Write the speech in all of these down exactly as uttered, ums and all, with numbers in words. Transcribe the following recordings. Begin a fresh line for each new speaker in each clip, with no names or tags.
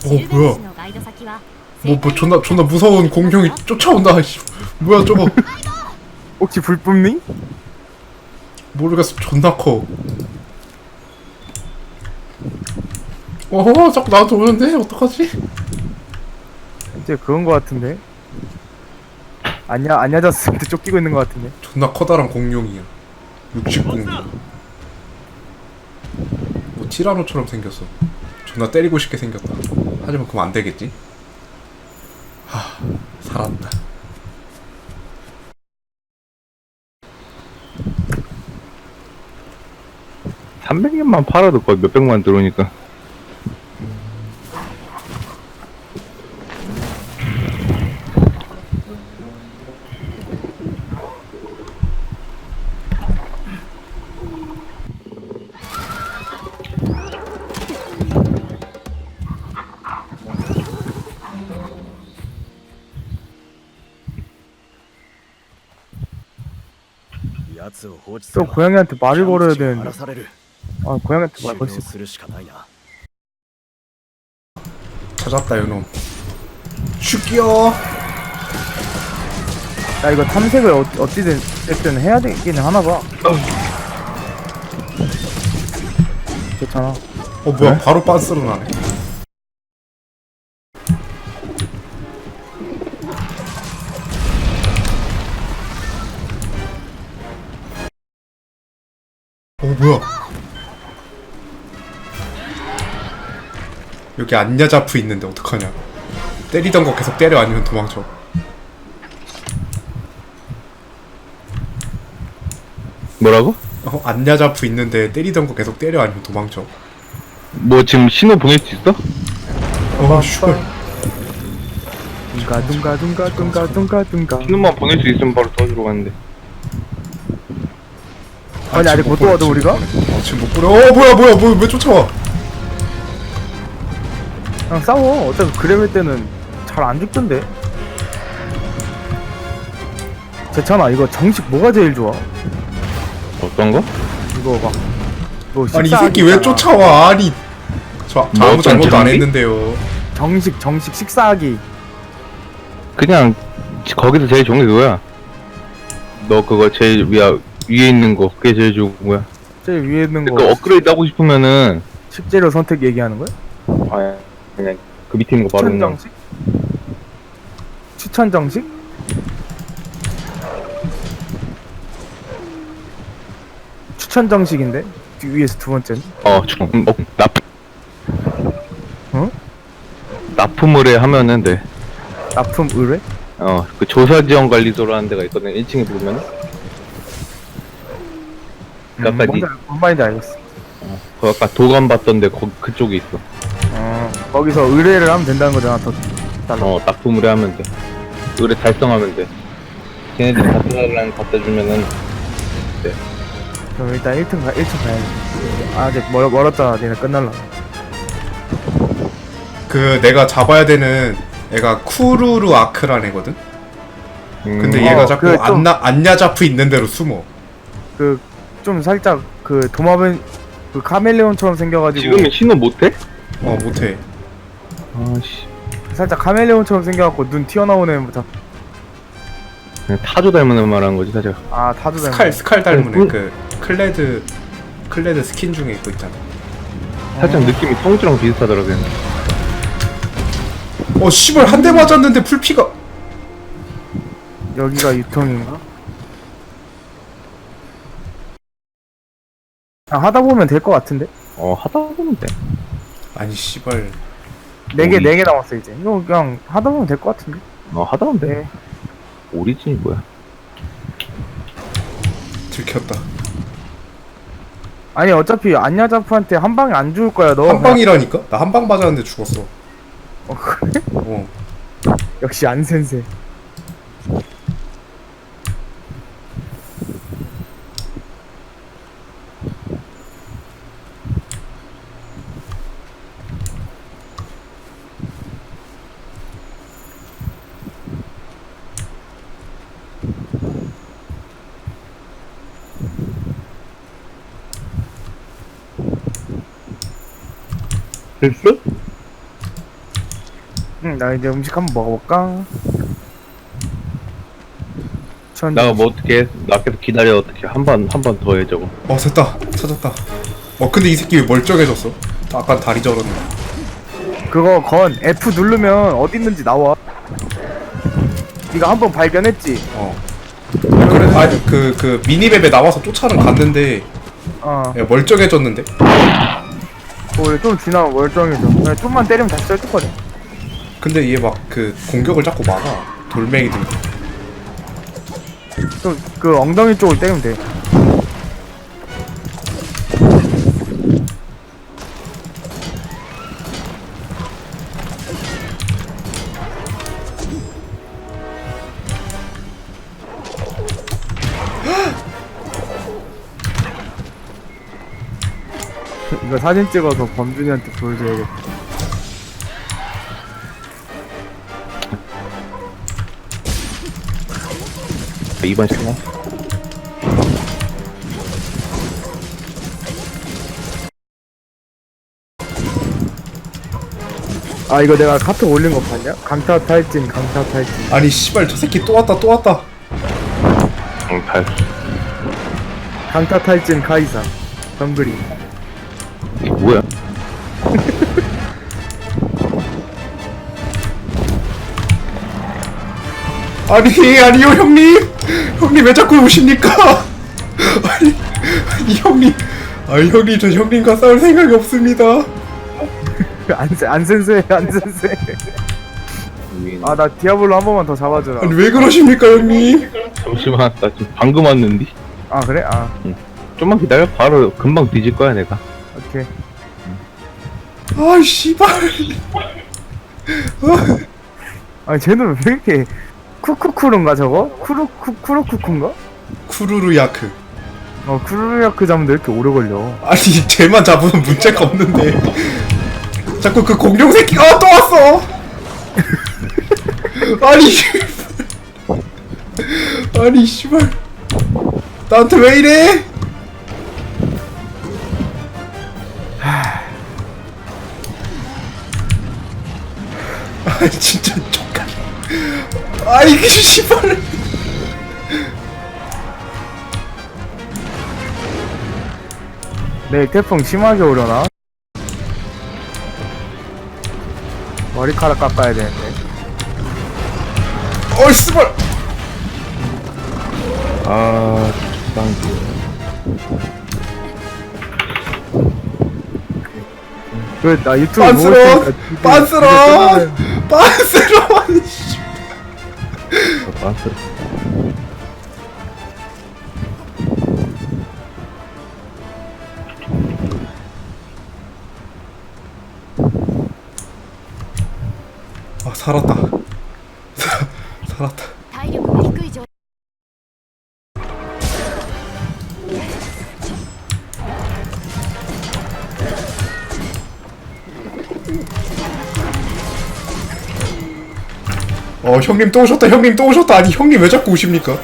어 뭐야? 뭐, 뭐 존나 존나 무서운 공룡이 쫓아온다. 씨. 뭐야 저거?
혹시 불 뿜니?
모르겠어. 존나 커. 어 자꾸 나한테 오는데 어떡하지?
이제 그건 거 같은데. 안야 안야자스한테 쫓기고 있는 거 같은데.
존나 커다란 공룡이야. 육식 공룡. 뭐 티라노처럼 생겼어. 존나 때리고 싶게 생겼다. 하지만 그럼 안 되겠지? 하, 살았다.
삼백 년만 팔아도 거의 몇백만 들어오니까.
또 고양이한테 말을 걸어야 되는데. 아 고양이한테 말 걸 수 있어.
찾았다 요놈. 슈기요.
야 이거 탐색을 어, 어찌든 됐든 해야 되긴 하나봐. 괜찮아.
어 뭐야 바로 빤스로 나네. 어 뭐야? 여기 안야자프 있는데 어떡하냐? 때리던 거 계속 때려 아니면 도망쳐.
뭐라고?
어 안야자프 있는데 때리던 거 계속 때려 아니면 도망쳐.
뭐 지금 신호 보낼 수 있어?
어 슈발.
둥가 둥가 둥가 둥가 둥가 둥가.
신호만 보낼 수 있으면 바로 도와주러 가는데.
아니 아직 못 도와도 우리가?
어 지금 못 뿌려. 어 뭐야 뭐야 뭐야 왜 쫓아와?
그냥 싸워. 어차피 그레벨 때는 잘 안 죽던데. 괜찮아. 이거 정식 뭐가 제일 좋아?
어떤 거?
이거 막 뭐
아니 이
식사하기
새끼 왜
있잖아.
쫓아와? 아니 저, 저
뭐
아무
어떤
잘못도 안
장비?
했는데요.
정식 정식 식사하기.
그냥 거기서 제일 좋은 게 그거야. 너 그거 제일 위에 위에 있는 거 그게 제일 좋은 거야.
제일 위에 있는
그러니까
거
업그레이드 하고 싶으면은
식재료 선택 얘기하는 거야?
아 그냥 그 밑에 있는 거 바로
추천
그냥
정식? 추천 정식? 추천 정식인데 뒤 위에서 두 번째는?
어, 중, 어 납
어?
납품을 해 하면은 돼.
납품 의뢰?
어, 그 조사지원관리소로 하는 데가 있거든. 일 층에 보면은. 그 아까 니,
뭔지, 알- 뭔 말인지 알겠어.
그 아까 도감 봤던데 거, 그쪽에 있어.
어, 거기서 의뢰를 하면 된다는 거잖아. 더 달라.
어, 납품을 해 하면 돼. 의뢰 달성하면 돼. 걔네들이 갖다 달라는 거 갖다 주면은 돼.
그럼 일단 일 층 가, 일 층 가야지. 아직 멀, 멀었잖아. 니네 끝날라.
그 내가 잡아야 되는 애가 쿠루루 아크란 애거든.
음,
근데
어,
얘가 자꾸
그 좀-
안나 안야자프 있는 대로 숨어.
그, 좀 살짝, 그, 도마뱀, 그 카멜레온처럼 생겨가지고.
지금은 신호 못해?
어 못해.
아씨.
살짝 카멜레온처럼 생겨갖고 눈 튀어나오는, 자-
그냥 타조 닮은 애 말하는 거지, 사실.
아, 타도 되는
스칼 스칼 닮은
그-
애. 그 클레드 클레드 스킨 중에 있고 있잖아.
살짝 느낌이 성주랑 비슷하더라고. 그냥.
어 씨발 한 대 맞았는데 풀피가.
여기가 유통인가? 아, 하다 보면 될 것 같은데?
어, 하다 보면 돼.
아니 씨발.
네 개,
오리.
네 개 남았어, 이제. 이거 그냥 하다 보면 될 것 같은데?
어, 하다 보면 돼.
네.
오리진이 뭐야?
들켰다.
아니, 어차피 안야자프한테 한 방에 안 죽을 거야, 너.
한 방이라니까? 나 한 방 맞았는데 죽었어.
어, 그래?
어.
역시 안센세.
됐어?
응, 나 이제 음식 한번 먹어볼까? 천.
나가 뭐 어떻게 해? 나 계속 기다려. 어떻게 한 번 한 번 더 해 저거.
어 됐다 찾았다. 어 근데 이 새끼 왜 멀쩡해졌어? 아까 다리 저렸네.
그거 건 F 누르면 어디 있는지 나와. 네가 한 번 발견했지?
어. 아, 그래 아그그 그 미니맵에 나와서 쫓아는 갔는데
어.
야, 멀쩡해졌는데?
원래 좀 지나면 멀쩡해져. 그냥 좀만 때리면 다시 쩔뚝거려.
근데 얘 막 그 공격을 자꾸 막아. 돌멩이들.
좀 그 엉덩이 쪽을 때리면 돼. 이거 사진 찍어서 범준이한테 보여줘야겠다.
이번 시간.
아 이거 내가 카톡 올린 거 봤냐? 강타 탈진 강타 탈진.
아니 씨발 저 새끼 또 왔다 또 왔다.
응, 달.
강타 탈진 카이사 덩그리.
이게 뭐야?
아니 아니요 형님. 형님 왜 자꾸 오십니까? 아니, 아니 형님. 아니 형님 저 형님과 싸울 생각이 없습니다.
안세 안센세 안센세. 아나 디아블로 한 번만 더 잡아주라.
아니 왜 그러십니까 형님?
잠시만, 나 지금 방금 왔는데.
아 그래? 아
좀만 기다려. 바로 금방 뒤질 거야 내가.
오케이.
아 씨발.
아니 쟤는 왜 이렇게 쿠쿠쿠른가 저거? 쿠루쿠 쿠루쿠쿠인가?
쿠루루야크.
어 쿠루야크 잡는데 왜 이렇게 오래 걸려?
아니 쟤만 잡으면 문제가 없는데 자꾸 그 공룡 새끼가 아, 또 왔어. 아니 아니 씨발 나한테 왜 이래? 아 진짜 족같. 아이 그 씨발.
내일 태풍 심하게 오려나? 머리카락 깎아야 되는데.
어이 씨발.
아, 적당.
그 나 유튜브
빤스러
보고 있으니까
빤스러
이제
빤스러. 아니 씨.
봤어.
아 살았다. 사, 살았다.
体力が低い状
어 형님 또 오셨다. 형님 또 오셨다. 아니 형님 왜 자꾸 오십니까?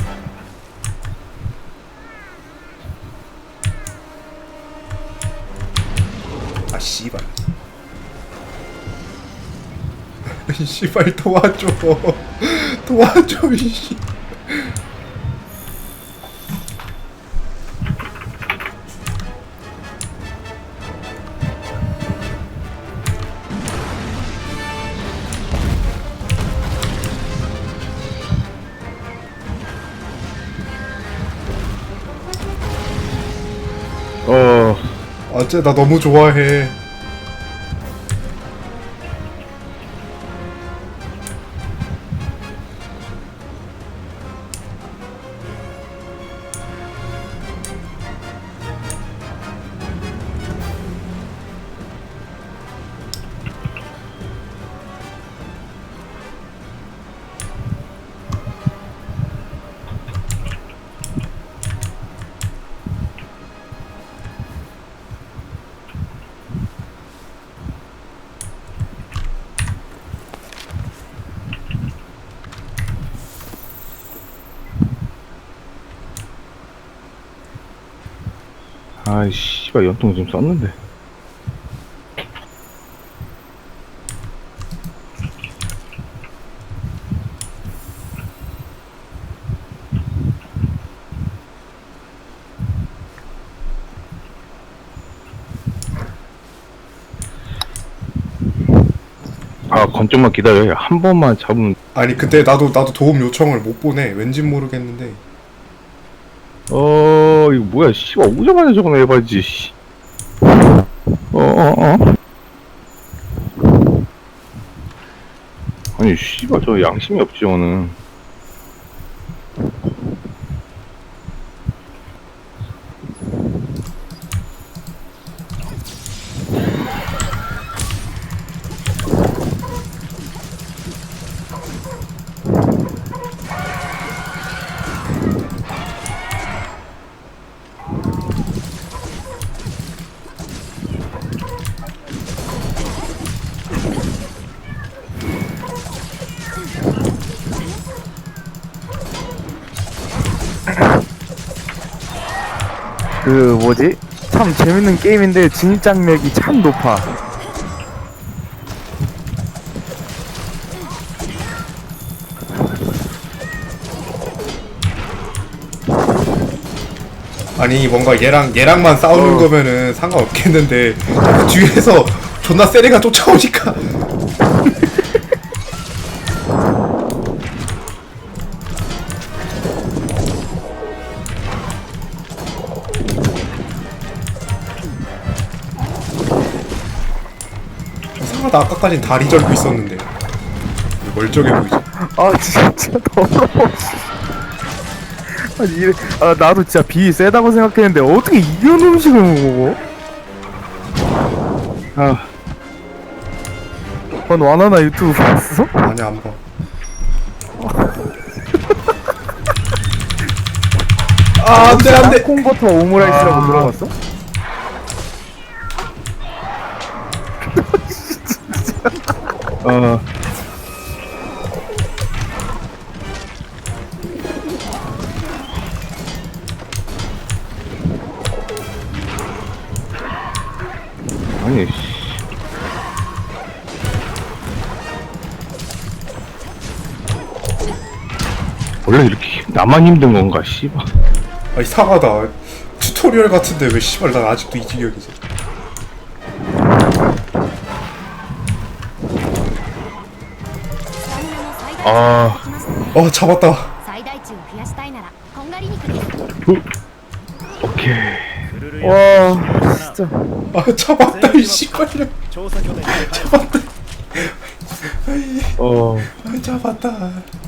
아 씨발. 이 씨발 도와줘. 도와줘 이씨.
어,
어째 나 너무 좋아해.
아이 씨발 연통 지금 썼는데. 아 건좀만 기다려. 한 번만 잡으면.
아니 근데 나도 나도 도움 요청을 못 보내. 왠진 모르겠는데.
어 이거 뭐야 씨발 오자마자 저거 해봐야지 씨. 어어어 어, 어. 아니 씨발 저 양심이 없지 저는.
그 뭐지? 참 재밌는 게임인데 진입장벽이 참 높아.
아니 뭔가 얘랑 얘랑만 싸우는
어.
거면은 상관없겠는데 자꾸 뒤에서 존나 세리가 쫓아오니까. 이상하다. 아까까진 다리 절고 있었는데 멀쩡해 보이지.
아 진짜 더러워. 아니 이래, 아 나도 진짜 비 세다고 생각했는데 어떻게 이런 음식을 먹어?
아
넌 와나나 유튜브 봤어?
아니 안 봐. 아 안돼 안돼.
콩버터 오므라이스라고
아.
들어봤어?
어. 아니 씨. 원래 이렇게 나만 힘든 건가 씨발.
아 이상하다. 튜토리얼 같은데 왜 씨발 난 아직도 이 지경이지.
아
어 잡았다.
最大値を増やしたいならこんがり肉です
오케이.
와 진짜
아 잡았다 이 씨발이야.
調査拠点に
잡았다.
어.
아 잡았다.